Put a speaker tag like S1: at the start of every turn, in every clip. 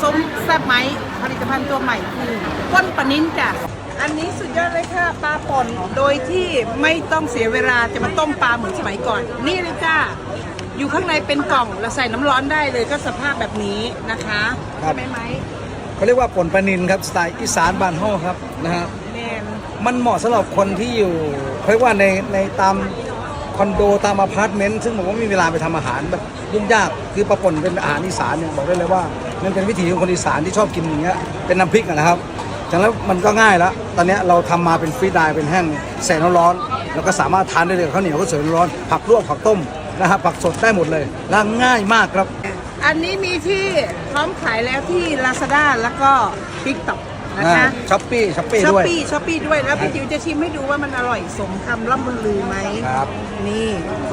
S1: ซุ้มแซ่บไหมผลิตภัณฑ์ตัวใหม่คือก้นปลานิ้นจ้ะอันนี้สุดยอดเลยค่ะปลาป่นโดยที่ไม่ต้องเสียเวลาจะมาต้มปลาเหมือนสมัยก่อนนี่เลยจ้าอยู่ข้างในเป็นกล่องเราใส่น้ำร้อนได้เลยก็สภาพแบบนี้นะคะใช่ไหม
S2: เขาเรียกว่าป่นปลานิลครับสไตล์อีสานบ้านเฮาครับนะฮะ
S1: แมน
S2: มันเหมาะสำหรับคนที่อยู่เขาเรียกว่าในตามคอนโดตามอพาร์ตเมนต์ซึ่งผมว่าไม่มีเวลาไปทำอาหารแบบยุ่งยากคือปลาป่นเป็นอาหารอีสานเนี่ยบอกได้เลยว่ามันเป็นวิถีของคนอีสานที่ชอบกินอย่างเงี้ยเป็นน้ำพริกนะครับจากนั้นมันก็ง่ายแล้วตอนนี้เราทำมาเป็นฟรีดายเป็นแห้งใส่น้ำร้อนแล้วก็สามารถทานได้เลยข้าวเหนียวก็สวยร้อนผักลวกผักต้มนะครับผักสดได้หมดเลยและง่ายมากครับ
S1: อันนี้มีที่พร้อมขายแล้วที่ Lazada แล้วก็ TikTok นะคะ
S2: ช้อปปี้
S1: ช้อป
S2: ด้วย
S1: ปี้ช้อปปี้ด้วยแล้วพี่จิ๋วจะชิมให้ดูว่ามันอร่อยสมคำล่ำลือไหม
S2: ครับ
S1: นี่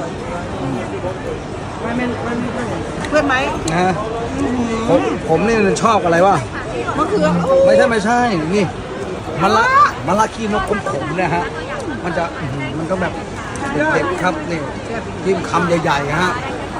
S1: เพื่อนไหม
S2: นะฮะผมนี่ชอบอะไรวะ
S1: มะเขือโอ้
S2: ไม่ใช่นี่มะละขี้นกขมๆเนี่ยฮะมันจะมันก็แบบเด็ดๆครับนี่จิ้มคำใหญ่ๆฮะ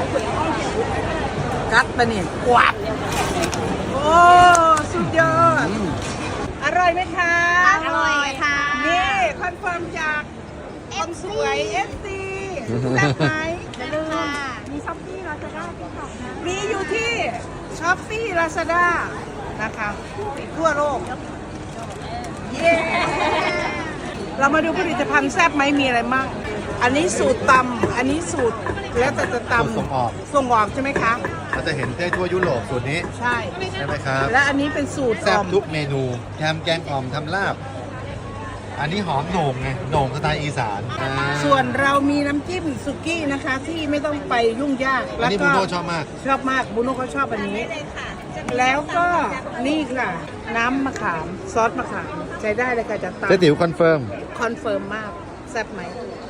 S1: กัดปะเนี่ยกวาดโอ้สุดยอดอร่อยไหมคะ
S3: อร่อยค่ะ
S1: นี่คอนเฟิร์มจากคนสวย FC แซ่บไหม
S3: อย่าลืมมีช้อปปี้เราจะได้ติ๊กต็อกนะ
S1: มีอยู่ที่ช้อปปี้ลาซาด้านะคะทั่วโลก เย้ เรามาดูผลิตภัณฑ์แซ่บไหมมีอะไรบ้างอันนี้สูตรตำอันนี้สูตรแล้วแต่จะตำ
S4: ส่งออก
S1: ส่งออกใช่ไหมคะ
S4: เราจะเห็นได้ทั่วยุโรปสูตรนี้
S1: ใช่
S4: ใช่ไหมครับ
S1: และอันนี้เป็นสูตร
S4: แซ่
S1: อบ ม
S4: ทุกเมนูแฮมแกงอ่อมทำลาบ อันนี้หอมโหน่งไงโหน่งสไตล์อีสาน
S1: ส่วนเรามีน้ำจิ้มสุกี้นะคะ ที่ไม่ต้องไปยุ่งยาก
S4: อันนี้บูโน่ชอบมาก
S1: ชอบมากบูโน่เขาชอบอันนี้ แล้วก็นี่ค่ะ น้ำมะขามซอสมะขามใช้ได้เลยค่ะจะต
S4: เจ๊ติ๋วคอนเฟิร์ม
S1: คอนเฟิร์มมากแซ่บไหม